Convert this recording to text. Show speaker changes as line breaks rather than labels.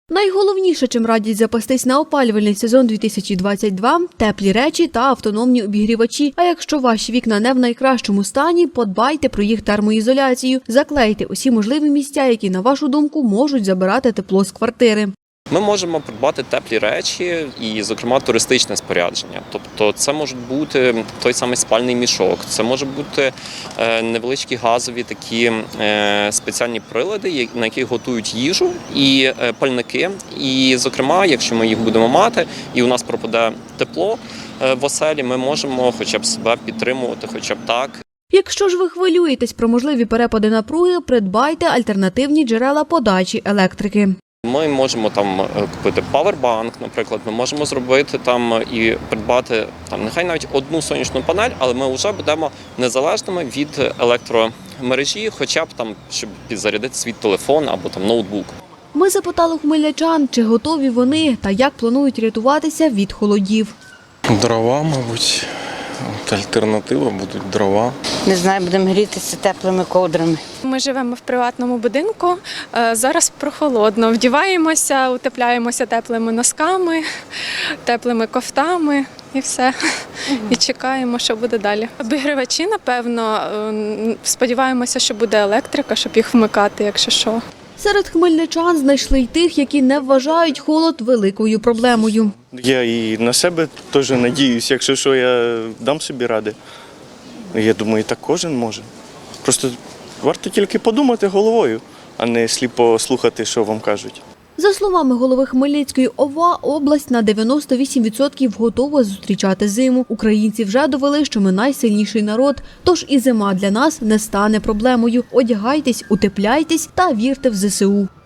Найголовніше, чим радять запастись на опалювальний сезон 2022 – теплі речі та автономні обігрівачі. А якщо ваші вікна не в найкращому стані, подбайте про їх термоізоляцію. Заклейте усі можливі місця, які, на вашу думку, можуть забирати тепло з квартири.
Ми можемо придбати теплі речі і, зокрема, туристичне спорядження. Тобто це можуть бути той самий спальний мішок, це можуть бути невеличкі газові такі спеціальні прилади, на яких готують їжу, і пальники. І, зокрема, якщо ми їх будемо мати і у нас пропаде тепло в оселі, ми можемо хоча б себе підтримувати, хоча б так.
Якщо ж ви хвилюєтесь про можливі перепади напруги, придбайте альтернативні джерела подачі електрики.
Ми можемо там купити павербанк, наприклад, ми можемо зробити там і придбати там нехай навіть одну сонячну панель, але ми вже будемо незалежними від електромережі, хоча б там, щоб підзарядити свій телефон або там ноутбук.
Ми запитали хмельничан, чи готові вони та як планують рятуватися від холодів.
Дрова, мабуть. Альтернатива будуть дрова.
Не знаю, будемо грітися теплими ковдрами.
Ми живемо в приватному будинку, зараз прохолодно. Вдіваємося, утепляємося теплими носками, теплими кофтами і все. І чекаємо, що буде далі. Обігрівачі, напевно, сподіваємося, що буде електрика, щоб їх вмикати, якщо що.
Серед хмельничан знайшли й тих, які не вважають холод великою проблемою.
Я і на себе теж надіюсь, якщо що, я дам собі ради. Я думаю, так кожен може. Просто варто тільки подумати головою, а не сліпо слухати, що вам кажуть.
За словами голови Хмельницької ОВА, область на 98% готова зустрічати зиму. Українці вже довели, що ми найсильніший народ, тож і зима для нас не стане проблемою. Одягайтесь, утепляйтесь та вірте в ЗСУ.